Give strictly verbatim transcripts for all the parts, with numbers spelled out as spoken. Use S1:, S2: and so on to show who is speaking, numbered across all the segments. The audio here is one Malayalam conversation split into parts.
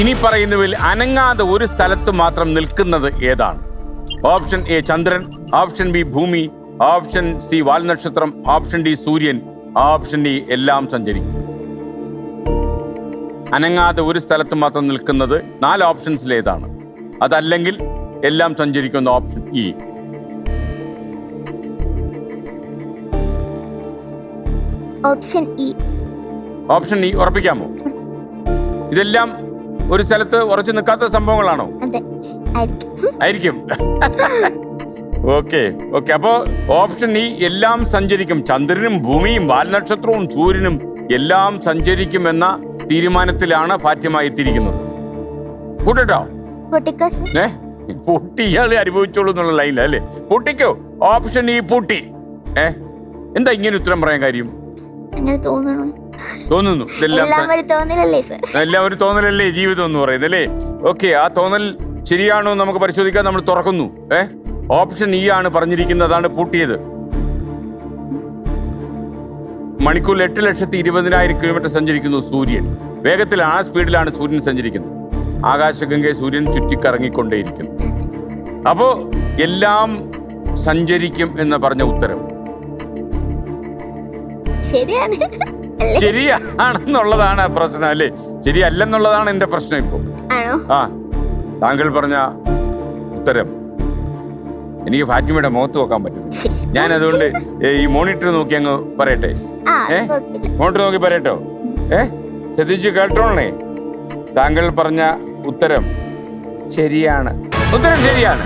S1: ഇനി പറയുന്നതിൽ അനങ്ങാതെ ഒരു സ്ഥലത്ത് മാത്രം നിൽക്കുന്നത് ഏതാണ്? ഓപ്ഷൻ എ ചന്ദ്രൻ, ഓപ്ഷൻ ബി ഭൂമി, ഓപ്ഷൻ സി വാൽനക്ഷത്രം, ഓപ്ഷൻ ഡി സൂര്യൻ, ഓപ്ഷൻ ഡി എല്ലാം സഞ്ചരിക്കും. അനങ്ങാതെ ഒരു സ്ഥലത്ത് മാത്രം നിൽക്കുന്നത് നാല് ഓപ്ഷൻസിൽ ഏതാണ്? അതല്ലെങ്കിൽ എല്ലാം സഞ്ചരിക്കുന്ന option E.
S2: Option E.
S1: Option E ഉറപ്പിക്കാമോ? ഇതെല്ലാം ഒരു സ്ഥലത്ത് ഉറച്ചു നിൽക്കാത്ത സംഭവങ്ങളാണോ? ആയിരിക്കും. ഓക്കെ ഓക്കെ അപ്പോ ഓപ്ഷൻ ഇ എല്ലാം സഞ്ചരിക്കും. ചന്ദ്രനും ഭൂമിയും വാൽനക്ഷത്രവും സൂര്യനും എല്ലാം സഞ്ചരിക്കുമെന്ന തീരുമാനത്തിലാണ് ഫാത്തിമ എത്തിയിരിക്കുന്നത്. കൂട്ടോ ഏ പൂട്ടി ഇയാളെ അനുഭവിച്ചോളൂ എന്നുള്ള ലൈനില്ല അല്ലേ? പൂട്ടിക്കോ. ഓപ്ഷൻ ഇ പൂട്ടി. ഏ എന്താ ഇങ്ങനെ ഉത്തരം പറയാൻ കാര്യം? തോന്നുന്നു എല്ലാം ഒരു തോന്നലല്ലേ ജീവിതം എന്ന് പറയുന്നത് അല്ലേ? ഓക്കെ, ആ തോന്നൽ ശരിയാണോ എന്ന് നമുക്ക് പരിശോധിക്കാൻ നമ്മൾ തുറക്കുന്നു. ഏ ഓപ്ഷൻ ഇ ആണ് പറഞ്ഞിരിക്കുന്നത്, അതാണ് പൂട്ടിയത്. മണിക്കൂറിൽ എട്ട് ലക്ഷത്തി ഇരുപതിനായിരം കിലോമീറ്റർ സഞ്ചരിക്കുന്നു സൂര്യൻ. വേഗത്തിലാണ്, ആ സ്പീഡിലാണ് സൂര്യൻ സഞ്ചരിക്കുന്നത്. ആകാശഗംഗയെ സൂര്യൻ ചുറ്റിക്കറങ്ങിക്കൊണ്ടേയിരിക്കുന്നു. അപ്പോ എല്ലാം സഞ്ചരിക്കും എന്ന് പറഞ്ഞ ഉത്തരം
S2: ശരിയാണ്.
S1: ശരിയാണെന്നുള്ളതാണ് പ്രശ്നം അല്ലേ? ശരിയല്ലെന്നുള്ളതാണ് എന്റെ പ്രശ്നം ഇപ്പൊ. ആ താങ്കൾ പറഞ്ഞ ഉത്തരം എനിക്ക് ഫാത്തിമയുടെ മുഖത്ത് നോക്കാൻ പറ്റുന്നു. ഞാൻ അതുകൊണ്ട് ഈ മോണിറ്റർ നോക്കി അങ്ങ് പറയട്ടെ. ഏ മോണിറ്റർ നോക്കി പറയട്ടോ? ഏ ശ്രദ്ധിച്ചു കേട്ടോണേ. താങ്കൾ പറഞ്ഞ ഉത്തരം ശരിയാണ്. ഉത്തരം ശരിയാണ്.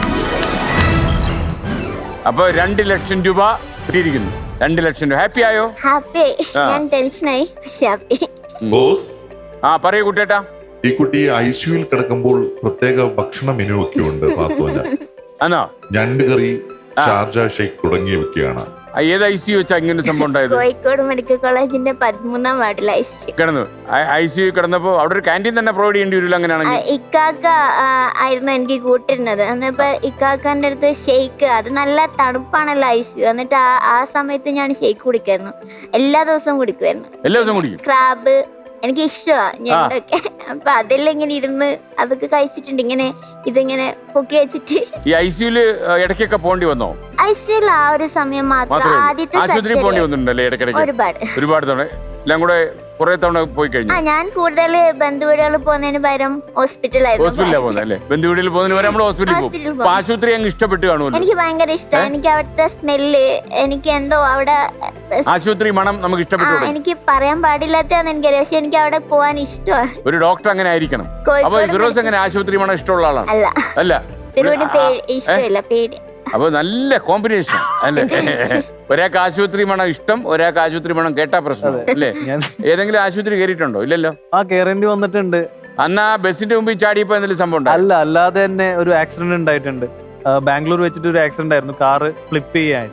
S1: അപ്പൊ രണ്ട് ലക്ഷം രൂപ കിട്ടിയിരിക്കുന്നു. രണ്ട് ലക്ഷം രൂപ. ഹാപ്പി ആയോ?
S2: ഹാപ്പി. ഞാൻ ടെൻഷനായി. ഹാപ്പി.
S3: ബോസ്,
S1: ആ പറയൂ കുട്ടേട്ടാ.
S3: ഈ കുട്ടി ഐസിയുവിൽ കിടക്കുമ്പോൾ പ്രത്യേക ഭക്ഷണ മെനു ഒക്കെ ഉണ്ട്.
S1: ആണോ?
S3: ഞണ്ട് കറി, ഷാർജ ഷേക്ക് തുടങ്ങിയവയൊക്കെയാണ്.
S1: ഏത് ഐ സി യു വെച്ചാ ഇങ്ങനെ സംഭവം ഉണ്ടായത്?
S2: കോഴിക്കോട് മെഡിക്കൽ കോളേജിന്റെ പതിമൂന്നാം വാർഡിൽ ഐ സി യു
S1: കിടന്നു. ഐ സി യു കിടന്നപ്പോ അവിടെ ഒരു ക്യാൻറ്റീൻ തന്നെ പ്രൊവൈഡ് ചെയ്യേണ്ടി വരില്ല അങ്ങനെയാണെങ്കിൽ?
S2: ഇക്കാക്ക ആയിരുന്നു എനിക്ക് കൂട്ടിരുന്നത്. എന്നിപ്പോ ഇക്കാക്കാന്റെ അടുത്ത് ഷെയ്ക്ക്, അത് നല്ല തണുപ്പാണല്ലോ ഐ സി യു. എന്നിട്ട് ആ ആ സമയത്ത് ഞാൻ ഷെയ്ക്ക് കുടിക്കായിരുന്നു. എല്ലാ ദിവസവും കുടിക്കുമായിരുന്നു.
S1: എല്ലാ ദിവസവും കുടിക്കും?
S2: ക്രാബ് എനിക്ക് ഇഷ്ടമാണ് ഞണ്ടൊക്കെ. അപ്പൊ അതെല്ലാം ഇങ്ങനെ ഇരുന്ന് അതൊക്കെ കഴിച്ചിട്ടുണ്ട്. ഇങ്ങനെ ഇതിങ്ങനെ പൊക്കി വെച്ചിട്ട്.
S1: ഈ ഐ സി യുല് ഇടയ്ക്കൊക്കെ പോണ്ടി വന്നോ?
S2: ഐ സി യുൽ ആ ഒരു സമയം മാത്രം. ആദ്യത്തെ
S1: ആശുപത്രി പോണ്ടി വന്നിട്ടുണ്ടല്ലേ ഇടയ്ക്കിടയ്ക്ക്?
S2: ഒരുപാട്
S1: ഒരുപാട് തവണ എല്ലാം കൂടെ കുറെ തവണ പോയി കഴിഞ്ഞു.
S2: ആ ഞാൻ കൂടുതൽ ബന്ധുവീടുകളിൽ പോകുന്നതിന് പകരം ഹോസ്പിറ്റലായിരുന്നു.
S1: ഹോസ്പിറ്റലിലാണ് പോകുന്നത് അല്ലേ? ബന്ധുവീടുകളിൽ പോകുന്നതിന് പകരം നമ്മൾ ഹോസ്പിറ്റലിൽ പോകും. ആശുപത്രി അങ്ങ് ഇഷ്ടപ്പെട്ടു കാണുമല്ലോ?
S2: എനിക്ക് ഭയങ്കര ഇഷ്ടമാണ്. എനിക്ക് അവിടുത്തെ സ്മെല്ല്, എനിക്ക് എന്തോ അവിടെ
S1: ആശുപത്രി മണം നമുക്ക് ഇഷ്ടപ്പെട്ടു.
S2: എനിക്ക് പറയാൻ പാടില്ലാത്തതാണ് എനിക്കറിയാം, പക്ഷെ എനിക്ക് അവിടെ പോവാൻ ഇഷ്ടമാണ്.
S1: ഒരു ഡോക്ടർ അങ്ങനെ ആയിരിക്കണം. അപ്പൊ ഫിറോസ് അങ്ങനെ ആശുപത്രി മണം ഇഷ്ടമുള്ള ആളാണ്?
S2: അല്ല
S1: അല്ല,
S2: ഫിറോന് ഇഷ്ടമില്ല, പേടി.
S1: അപ്പൊ നല്ല കോമ്പിനേഷൻ അല്ലേ? ഒരാൾക്ക് ആശുപത്രി മണം ഇഷ്ടം, ഒരാൾക്ക് ആശുപത്രി മണം കേട്ടാ പ്രശ്നം അല്ലേ? ഏതെങ്കിലും ആശുപത്രി കയറിയിട്ടുണ്ടോ? ഇല്ലല്ലോ.
S4: ആ കേറേണ്ടി വന്നിട്ടുണ്ട്.
S1: അന്ന് ആ ബസിന്റെ മുമ്പിൽ ചാടിയപ്പോ എന്തെങ്കിലും സംഭവം ഉണ്ടോ?
S4: അല്ല, അല്ലാതെ തന്നെ ഒരു ആക്സിഡന്റ് ഉണ്ടായിട്ടുണ്ട്. ബാംഗ്ലൂർ വെച്ചിട്ട് ഒരു ആക്സിഡന്റ് ആയിരുന്നു, കാറ് ഫ്ലിപ്പ് ചെയ്യാൻ.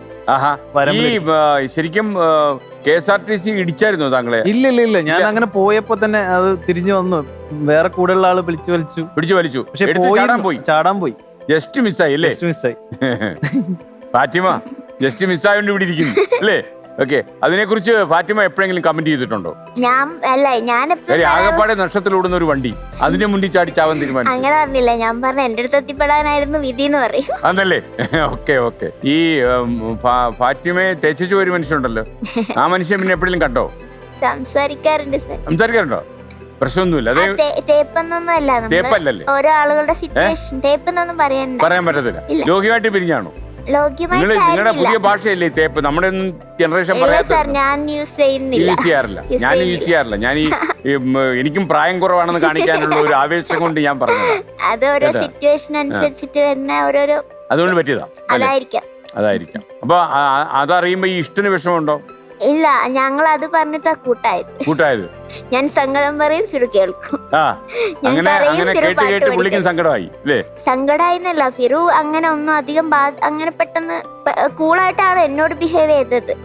S1: ഈ ശരിക്കും K S R T C ഇടിച്ചായിരുന്നോ താങ്കളെ?
S4: ഇല്ല ഇല്ല ഇല്ല ഞാൻ അങ്ങനെ പോയപ്പോ തന്നെ അത് തിരിഞ്ഞു വന്നു. വേറെ കൂടെയുള്ള ആള് പിടിച്ചു വലിച്ചു
S1: പിടിച്ചു വലിച്ചു
S4: പക്ഷെ
S1: പോയി
S4: ചാടാൻ പോയി.
S1: ജസ്റ്റ് മിസ്സായി അല്ലേ?
S4: മിസ്സായി.
S1: ഫാത്തിമ ജസ്റ്റ് മിസ്സായോണ്ട് ഇവിടെ ഇരിക്കുന്നു അല്ലേ? ഓക്കെ, അതിനെ കുറിച്ച് ഫാത്തിമ എപ്പോഴെങ്കിലും കമന്റ് ചെയ്തിട്ടുണ്ടോ?
S2: ഞാൻ അല്ല ഞാൻ
S1: ആകെപ്പാടെ നക്ഷത്രത്തിലോടുന്ന ഒരു വണ്ടി അതിന്റെ മുന്നിൽ ചാടി ചാവാൻ തീരുമാനിച്ചു?
S2: അങ്ങനെ പറഞ്ഞില്ല, ഞാൻ പറഞ്ഞ എന്റെ അടുത്ത് എത്തിപ്പെടാനായിരുന്നു വിധി എന്ന് പറയും.
S1: അതല്ലേ? Okay okay. ഈ ഫാത്തിമയെ തേച്ചു ഒരു മനുഷ്യനുണ്ടല്ലോ, ആ മനുഷ്യൻ പിന്നെ എപ്പോഴെങ്കിലും കണ്ടോ?
S2: സംസാരിക്കാറുണ്ട് സർ.
S1: സംസാരിക്കാറുണ്ടോ? പ്രശ്നമൊന്നുമില്ല.
S2: തേപ്പെന്നൊന്നും
S1: തേപ്പല്ലല്ലേ?
S2: ഓരോ ആളുകളുടെ സിറ്റുവേഷൻ. തേപ്പെന്നൊന്നും പറയാൻ
S1: പറയാൻ പറ്റത്തില്ല. ലോകിയുമായിട്ട് പിരിഞ്ഞാണോ? നിങ്ങളുടെ പുതിയ ഭാഷയല്ലേ തേപ്പ്? നമ്മുടെ ഒന്നും ജനറേഷൻ പറയാൻ യൂസ് ചെയ്യാറില്ല. ഞാൻ യൂസ് ചെയ്യാറില്ല. ഞാൻ ഈ എനിക്കും പ്രായം കുറവാണെന്ന് കാണിക്കാനുള്ള ഒരു ആവേശം കൊണ്ട് ഞാൻ പറഞ്ഞത്.
S2: അത് ഓരോ സിറ്റുവേഷൻ അനുസരിച്ചിട്ട് തന്നെ ഓരോരോ
S1: അതുകൊണ്ട് പറ്റിയതാ.
S2: അതായിരിക്കാം
S1: അതായിരിക്കാം. അപ്പൊ അതറിയുമ്പോ ഈ ഇഷ്ടന് വിഷമമുണ്ടോ?
S2: ഇല്ല, ഞങ്ങൾ അത് പറഞ്ഞിട്ടാ കൂട്ടായത്.
S1: കൂട്ടായത്
S2: ഞാൻ സങ്കടം പറയും, ഫിറു കേൾക്കും.
S1: അങ്ങനെ അങ്ങനെ കേട്ട് കേട്ട് പുള്ളിക്കും സങ്കടമായി അല്ലേ?
S2: സങ്കടമായിന്നല്ല, ഫിറു അങ്ങനെ ഒന്നും അധികം അങ്ങനെ പെട്ടെന്ന് കൂളായിട്ടാണ് എന്നോട് ബിഹേവ് ചെയ്തത്.